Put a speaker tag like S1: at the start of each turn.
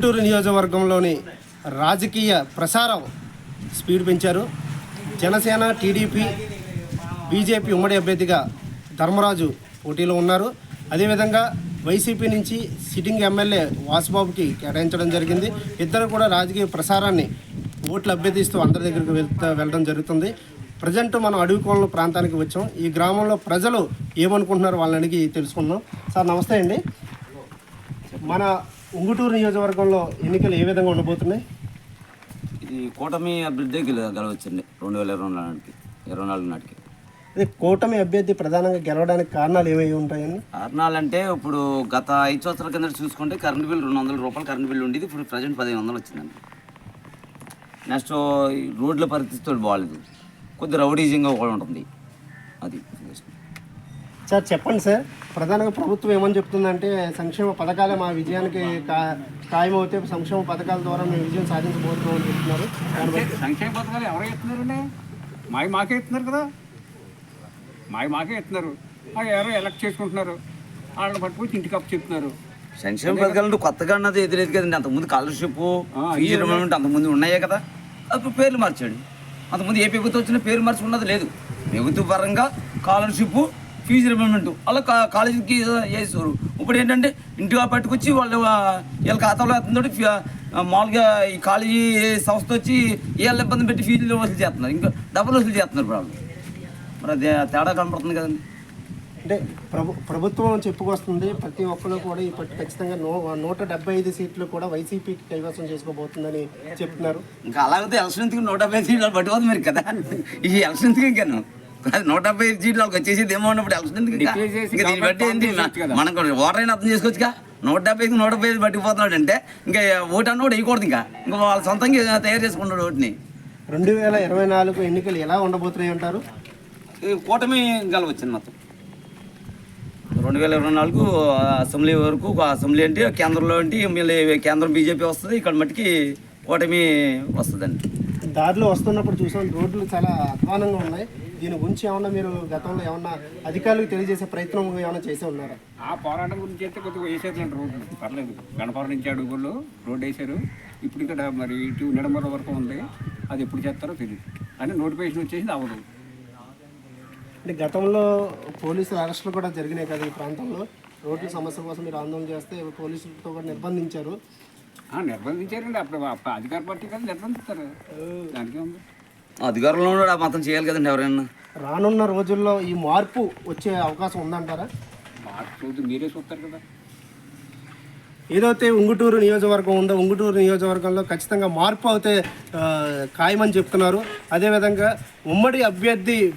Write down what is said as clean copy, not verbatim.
S1: ఉంగుటూరు నియోజకవర్గంలోని రాజకీయ ప్రసారం స్పీడ్ పెంచారు. జనసేన, టీడీపీ, బీజేపీ ఉమ్మడి అభ్యర్థిగా ధర్మరాజు పోటీలో ఉన్నారు. అదేవిధంగా వైసీపీ నుంచి సిట్టింగ్ ఎమ్మెల్యే వాసుబాబుకి కేటాయించడం జరిగింది. ఇద్దరు కూడా రాజకీయ ప్రసారాన్ని ఓట్లు అభ్యర్థిస్తూ అందరి దగ్గరికి వెళ్ళడం జరుగుతుంది. ప్రజెంట్ మనం అడవికోణం ప్రాంతానికి వచ్చాం. ఈ గ్రామంలో ప్రజలు ఏమనుకుంటున్నారు వాళ్ళని అడిగి తెలుసుకుందాం. సార్ నమస్తే అండి. మన ఉంగుటూరు నియోజకవర్గంలో ఎన్నికలు ఏ విధంగా ఉండబోతున్నాయి?
S2: ఇది కూటమి అభ్యర్థి గెలవచ్చండి 2024 నాటికి.
S1: అదే కూటమి అభ్యర్థి ప్రధానంగా గెలవడానికి కారణాలు ఏమేమి ఉంటాయండి?
S2: కారణాలంటే ఇప్పుడు గత 5 సంవత్సరాల కింద చూసుకుంటే కరెంట్ బిల్ 200 రూపాయలు కరెంట్ బిల్ ఉండేది. ఇప్పుడు ప్రజెంట్ 1500 వచ్చిందండి. నెక్స్ట్ రోడ్ల పరిస్థితి బాగాలేదు, కొద్ది రౌడీజింగ్గా కూడా ఉంటుంది. అది
S1: సార్ చెప్పండి సార్, ప్రధానంగా ప్రభుత్వం ఏమని చెప్తుందంటే సంక్షేమ పథకాలే మా విజయానికి ఖాయమవుతే సంక్షేమ పథకాల ద్వారా మేము విజయం సాధించబోతున్నామని చెప్తున్నారు.
S3: సంక్షేమ పథకాలు ఎవరు ఇస్తున్నారండి? మాకే ఇస్తున్నారు కదా, మాకే ఇస్తున్నారు. ఎవరో ఎలక్ట్ చేసుకుంటున్నారు, వాళ్ళని పట్టుకొచ్చి ఇంటికి అప్పు చెప్తున్నారు.
S2: సంక్షేమ పథకాలు కొత్తగా అన్నది ఎదురేది కదండి. అంతకుముందు స్కాలర్షిప్, ఫీజు రిమెంబర్మెంట్ అంతకుముందు ఉన్నాయే కదా. అప్పుడు పేర్లు మార్చాడు. అంతకుముందు ఏ ప్రభుత్వం వచ్చినా పేరు మార్చుకున్నది లేదు. ప్రభుత్వ పరంగా స్కాలర్షిప్, ఫీజు రిమెంబర్మెంట్ అలా కాలేజీకి వేసేవారు. ఇప్పుడు ఏంటంటే ఇంటిగా పట్టుకొచ్చి వీళ్ళ ఖాతాలో వేస్తుందో మామూలుగా ఈ కాలేజీ సంస్థ వచ్చి వీళ్ళ ఇబ్బంది పెట్టి ఫీజులు వసూలు చేస్తున్నారు, ఇంకా డబ్బులు వసూలు చేస్తున్నారు. ప్రాబ్లం మరి అది తేడా కనపడుతుంది కదండి.
S1: అంటే ప్రభుత్వం చెప్పుకొస్తుంది ప్రతి ఒక్కరు కూడా ఇప్పటి ఖచ్చితంగా 175 సీట్లు కూడా వైసీపీకి కైవసం చేసుకోబోతుందని చెప్తున్నారు.
S2: ఇంకా అలాగే ఎలక్షన్ ఎందుకు 175 సీట్లు పట్టుకోదు మరి కదా. ఈ ఎలక్షన్ ఎందుకు ఇంకాను 175 సీట్లు వాళ్ళకి వచ్చేసి ఏమో ఉన్నప్పుడు ఎలక్షన్ ఎందుకు? ఇంకా దీన్ని బట్టి ఏంటి మనకు ఓటర్ అయినా అర్థం చేసుకోవచ్చు. 175 పట్టుకుపోతున్నాడు అంటే ఇంకా ఓటు అన్న కూడా వేయకూడదు. ఇంకా వాళ్ళ సొంతంగా తయారు చేసుకున్నాడు ఓటుని.
S1: 2024 ఎన్నికలు ఎలా ఉండబోతున్నాయి అంటారు?
S2: కూటమి గెలవచ్చింది మొత్తం. 2024 అసెంబ్లీ వరకు, అసెంబ్లీ అంటే కేంద్రంలో అంటే మళ్ళీ కేంద్రం బీజేపీ వస్తుంది, ఇక్కడ మట్టికి కూటమి వస్తుందండి.
S1: దారిలో వస్తున్నప్పుడు చూసాం రోడ్లు చాలా అధ్వానంగా ఉన్నాయి. దీని గురించి ఏమన్నా మీరు గతంలో ఏమన్నా అధికారులకు తెలియజేసే ప్రయత్నం ఏమైనా చేసే ఉన్నారా?
S3: ఆ పోరాటం గురించి అయితే కొద్దిగా వేసేదండి రోడ్లు, పర్లేదు. గణపురం నుంచి అడుగుల్లో రోడ్డు వేసారు. ఇప్పుడు ఇక్కడ మరి ఇటు నిడమర వరకు ఉంది, అది ఎప్పుడు చేస్తారో తెలియదు. అని నోటిఫికేషన్ వచ్చేసి అవ్వదు.
S1: అంటే గతంలో పోలీసుల అరెస్టులు కూడా జరిగినాయి కదా ఈ ప్రాంతంలో. రోడ్ల సమస్య కోసం మీరు ఆందోళన చేస్తే పోలీసులతో కూడా నిర్బంధించారు.
S3: నిర్బంధించారండి. అప్పుడు అధికార పార్టీ కదా నిర్బంధిస్తారు, దానికే ఉంది.
S2: అధికారంలో కూడా మాత్రం చేయాలి కదండి ఎవరైనా.
S1: రానున్న రోజుల్లో ఈ మార్పు వచ్చే అవకాశం ఉందంటారా?
S3: మార్పు మీరే చూస్తారు కదా.
S1: ఏదైతే ఉంగుటూరు నియోజకవర్గం ఉందో ఉంగుటూరు నియోజకవర్గంలో ఖచ్చితంగా మార్పు అయితే ఖాయమని చెప్తున్నారు. అదేవిధంగా ఉమ్మడి అభ్యర్థి